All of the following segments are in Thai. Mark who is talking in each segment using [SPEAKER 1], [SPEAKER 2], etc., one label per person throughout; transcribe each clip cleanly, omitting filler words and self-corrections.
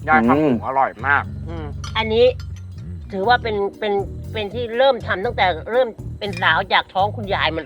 [SPEAKER 1] ยายทำหมูอร่อยมาก
[SPEAKER 2] อันนี้ถือว่าเป็นที่เริ่มทำตั้งแต่เริ่มเป็นสาวจากท้องคุณยายมาเลย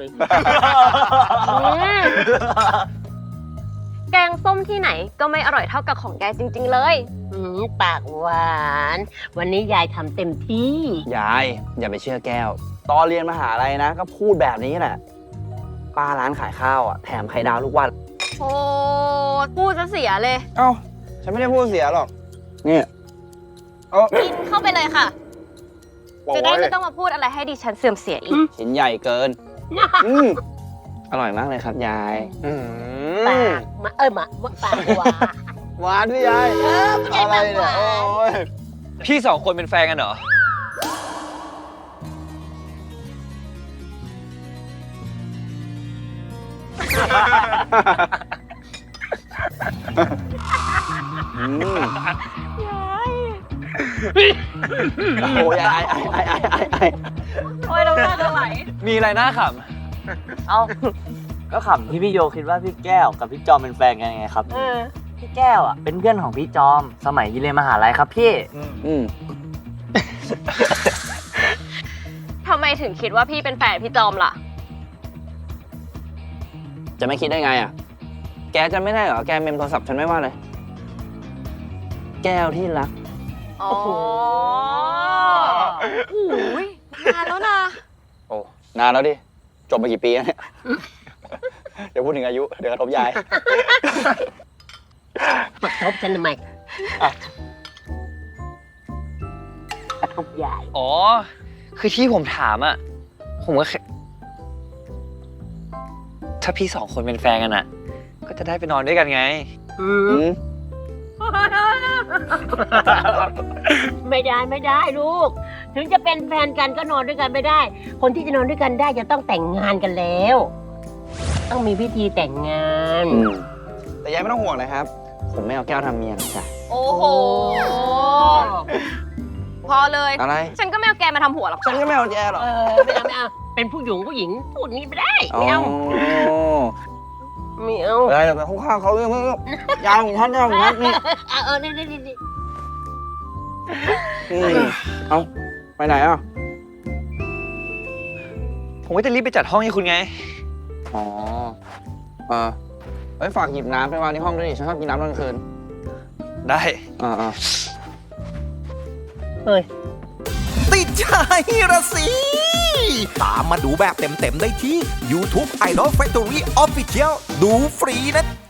[SPEAKER 3] แกงส้มที่ไหนก็ไม่อร่อยเท่ากับของยายจริงๆเลย
[SPEAKER 2] ปากหวาน วันนี้ยายทำเต็มที่
[SPEAKER 4] ยายอย่าไปเชื่อแก้ว ตอนเรียนมหาลัยนะ ก็พูดแบบนี้แหละ ป้าร้านขายข้าวอ่ะแถมไข่ดาวทุกวัน
[SPEAKER 3] โอ้พูดจะเสียเลย
[SPEAKER 4] เอ้า ฉันไม่ได้พูดเสียหรอก นี่เอ้า
[SPEAKER 3] กินเข้าไปเลยค่ะ จะได้ไม่ต้องมาพูดอะไรให้ดิฉันเสื่อมเสียอีก
[SPEAKER 4] ชิ้นใหญ่เกิน อร่อยมากเลยครับยาย
[SPEAKER 2] ปากมาปากหวาน
[SPEAKER 4] หวานพี่ยาย อะไรเนี่ยโอ้ย
[SPEAKER 5] พี่สองคนเป็นแฟนกันเหรอ
[SPEAKER 4] โอ้ยไอ้
[SPEAKER 3] โอ้ยเราหน้าจะไหล
[SPEAKER 5] มีอะไรน่าข
[SPEAKER 6] เอ้า ก็ขำที่พี่โยคิดว่าพี่แก้วกับพี่จอมเป็นแฟนกันไงครับ พี่แก้วอ่ะเป็นเพื่อนของพี่จอม สมัยเรียนมหาลัยครับพี่
[SPEAKER 3] ทำไมถึงคิดว่าพี่เป็นแฟนพี่จอมล่ะ
[SPEAKER 4] จะไม่คิดได้ไงอ่ะ แกจะไม่ได้เหรอ แกเมมโทรศัพท์ฉันไม่ว่าเลย แก้วที่รัก
[SPEAKER 3] อ๋อโอ้ยนานแล้วนะ
[SPEAKER 4] โอ้ นานแล้วดิ จบมากี่ปีแล้วเนี่ย เดี๋ยวพูดถึงอายุ เดี๋ยวกระทบยาย
[SPEAKER 2] มาทบฉันทำไมกระทบยาย
[SPEAKER 5] ำอ๋อ คือที่ผมถามอะผมก็แค่ถ้าพี่สองคนเป็นแฟนกันอะก็จะได้ไปนอนด้วยกันไง
[SPEAKER 2] ไม่ได้ลูก ถึงจะเป็นแฟนกันก็นอนด้วยกันไม่ได้ คนที่จะนอนด้วยกันได้จะต้องแต่งงานกันแล้ว ต้องมีพิธีแต่งงาน
[SPEAKER 4] แต่ยายไม่ต้องห่วงเลยครับ ผมไม่เอาแก้วทำเมียนะจ๊ะ
[SPEAKER 3] โอ้โห พอเลย
[SPEAKER 4] อะไร
[SPEAKER 3] ฉันก็ไม่เอาแกมาทำหัวหรอก
[SPEAKER 4] ฉันก็ไม่เอาแกหรอก
[SPEAKER 2] ไม่เอาเป็นผู้หญิงพูดนี้ไม่ได้ไม่เอาไม่เอา
[SPEAKER 4] อะไรแต่ข้างๆเขาเรื่องยาวของฉันยาวของฉันนี่
[SPEAKER 2] นี่
[SPEAKER 4] เอาไปไหนอ่ะ
[SPEAKER 5] ผมก็จะรีบไปจัดห้องให้คุณไง
[SPEAKER 4] อ๋อฝากหยิบน้ำไปวางในห้องด้วยดิฉันชอบกินน้ำตอนกลางคืน
[SPEAKER 5] ได้
[SPEAKER 2] เฮ้ย
[SPEAKER 7] ติดใจระสิ ตามมาดูแบบเต็มๆได้ที่ YouTube Idol Factory Official ดูฟรีนะ